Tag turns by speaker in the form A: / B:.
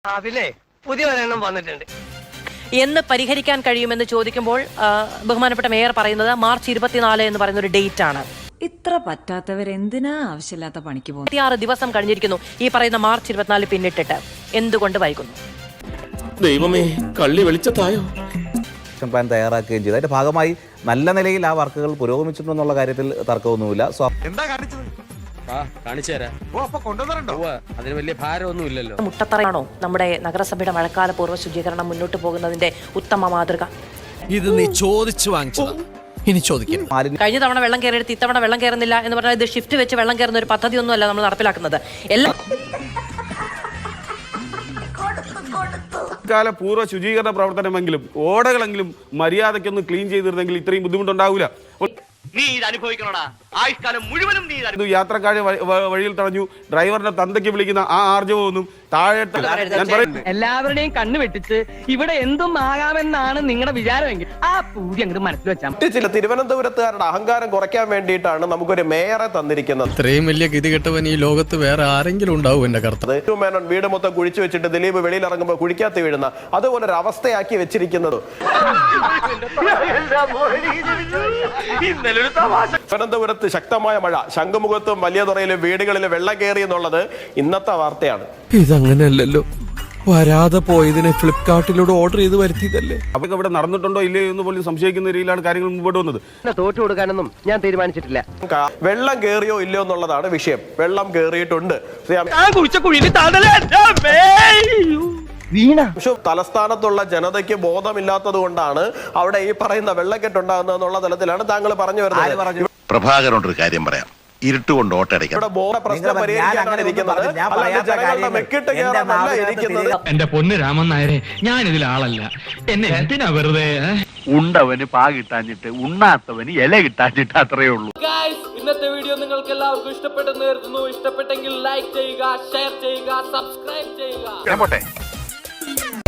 A: പിന്നെ പുതിയ ഒരെണ്ണം വന്നിട്ടുണ്ട്
B: എന്ന് പരിഹരിക്കാൻ കഴിയുമെന്ന് ചോദിക്കുമ്പോൾ ബഹുമാനപ്പെട്ട മേയർ പറയുന്നത് മാർച്ച് 24 എന്ന് പറയുന്ന ഒരു ഡേറ്റ് ആണ്.
C: ഇത്ര പറ്റാത്തവരെന്തിനാ ആവശ്യമില്ലാത്ത പണിക്ക് പോകുന്നത്?
B: 26 ദിവസം കഴിഞ്ഞിരിക്കുന്നു ഈ പറയുന്ന മാർച്ച് 24 പിന്നിട്ടിട്ട് എന്തുകൊണ്ട് വൈകുന്നു?
D: ദൈവമേ, കള്ളി വെളിച്ചത്തായോ?
E: പ്ലാൻ തയ്യാറാക്കുകയും ചെയ്തു. അതിന്റെ ഭാഗമായി നല്ല നിലയിൽ ആ വർക്കുകൾ പുരോഗമിച്ചിട്ടുണ്ടെന്നുള്ള കാര്യത്തിൽ തർക്കമൊന്നുമില്ല.
D: അതിന് വലിയ ഭാരമൊന്നും ഇല്ലല്ലോ.
B: മുട്ടത്തറയാണോ നമ്മുടെ നഗരസഭയുടെ മഴക്കാല പൂർവ്വ ശുചീകരണം മുന്നോട്ട് പോകുന്നതിന്റെ ഉത്തമ മാതൃക?
F: ഇത് നീ ചോദിച്ചു വാങ്ങിച്ചതാ, ഇനി ചോദിക്കരുത്.
B: കഴിഞ്ഞ തവണ വെള്ളം കയറിയെടുത്ത് ഇത്തവണ വെള്ളം കയറുന്നില്ല എന്ന് പറഞ്ഞാൽ ഇത് ഷിഫ്റ്റ് വെച്ച് വെള്ളം കയറുന്ന ഒരു പദ്ധതിയൊന്നുമല്ല നമ്മൾ നടപ്പിലാക്കുന്നത്. എല്ലാം
G: കാല പൂർവ്വ ശുചീകരണ പ്രവർത്തനമെങ്കിലും ഓടകളെങ്കിലും മര്യാദയ്ക്കൊന്ന് ക്ലീൻ ചെയ്തിരുന്നെങ്കിൽ ഇത്രയും ബുദ്ധിമുട്ടുണ്ടാവില്ല.
A: നീ ഇത് അനുഭവിക്കണോടാ, ആയുഷ്കാലം മുഴുവനും നീ
G: യാത്രക്കാരെ വഴിയിൽ തടഞ്ഞു, ഡ്രൈവറിനെ തന്തയ്ക്ക് വിളിക്കുന്ന ആ ആർജവമൊന്നും താഴെ ഞാൻ പറയുന്നു.
A: എല്ലാവരുടെയും കണ്ണു വെട്ടിച്ച് ഇവിടെ എന്തും ആകാമെന്നാണ് നിങ്ങളുടെ വിചാരമെങ്കിൽ ആ പൂതി അങ്ങോട്ട് മനസ്സിൽ വെച്ചാൽ
H: ചില തിരുവനന്തപുരത്തുകാരുടെ അഹങ്കാരം കുറയ്ക്കാൻ വേണ്ടിയിട്ടാണ് നമുക്കൊരു മേയറെ തന്നിരിക്കുന്നത്.
F: ഇത്രയും വലിയ ഗതികെട്ടവൻ ഈ ലോകത്ത് വേറെ ആരെങ്കിലും ഉണ്ടാവും എന്റെ കർത്താവ്.
H: മേനോൻ വീട് മൊത്തം കുഴിച്ചു വെച്ചിട്ട് ദിലീപ് വെളിയിൽ ഇറങ്ങുമ്പോൾ കുഴിക്കാത്ത വീഴുന്ന അതുപോലെ ഒരു അവസ്ഥയാക്കി വെച്ചിരിക്കുന്നത്. തിരുവനന്തപുരത്ത് ശക്തമായ മഴ, ശംഖുമുഖത്തും വലിയ തുറയിലും വീടുകളിൽ വെള്ളം കയറി എന്നുള്ളത് ഇന്നത്തെ വാർത്തയാണ്.
F: ഇതങ്ങനെയല്ലല്ലോ, വരാതെ പോയതിനെ ഫ്ലിപ്കാർട്ടിലൂടെ ഓർഡർ ചെയ്ത് വരുത്തിയതല്ലേ.
G: അവർക്ക് ഇവിടെ നടന്നിട്ടുണ്ടോ ഇല്ലയോ എന്ന് പോലും സംശയിക്കുന്ന രീതിയിലാണ് കാര്യങ്ങൾ മുമ്പോട്ട് വന്നത്.
A: തോറ്റു കൊടുക്കാനൊന്നും ഞാൻ തീരുമാനിച്ചിട്ടില്ല.
H: വെള്ളം കയറിയോ ഇല്ലയോ എന്നുള്ളതാണ് വിഷയം. വെള്ളം കയറിയിട്ടുണ്ട്. തലസ്ഥാനത്തുള്ള ജനതയ്ക്ക് ബോധമില്ലാത്തത് കൊണ്ടാണ് അവിടെ ഈ പറയുന്ന വെള്ളക്കെട്ടുണ്ടാകുന്നത് എന്നുള്ള തലത്തിലാണ് താങ്കൾ പറഞ്ഞു വരുന്നത്.
I: പ്രഭാകരനോട് ഒരു കാര്യം പറയാം, ഇരുട്ടുകൊണ്ട് ഓട്ടടയ്ക്കാം.
J: എന്റെ പൊന്ന് രാമൻ നായരെ, ഞാൻ ഇതിൽ ആളല്ല. എന്നെ എന്തിനാ വെറുതെ?
K: ഉണ്ടവന് പാ കിട്ടാഞ്ഞിട്ട് ഉണ്ണാത്തവന് ഇല കിട്ടാഞ്ഞിട്ട് അത്രയേ ഉള്ളൂ.
D: ഇന്നത്തെ വീഡിയോ നിങ്ങൾക്ക് എല്ലാവർക്കും ഇഷ്ടപ്പെട്ടെന്ന് കരുതുന്നു. ഇഷ്ടപ്പെട്ടെങ്കിൽ ലൈക്ക് ചെയ്യുക, ഷെയർ ചെയ്യുക, സബ്സ്ക്രൈബ് ചെയ്യുക.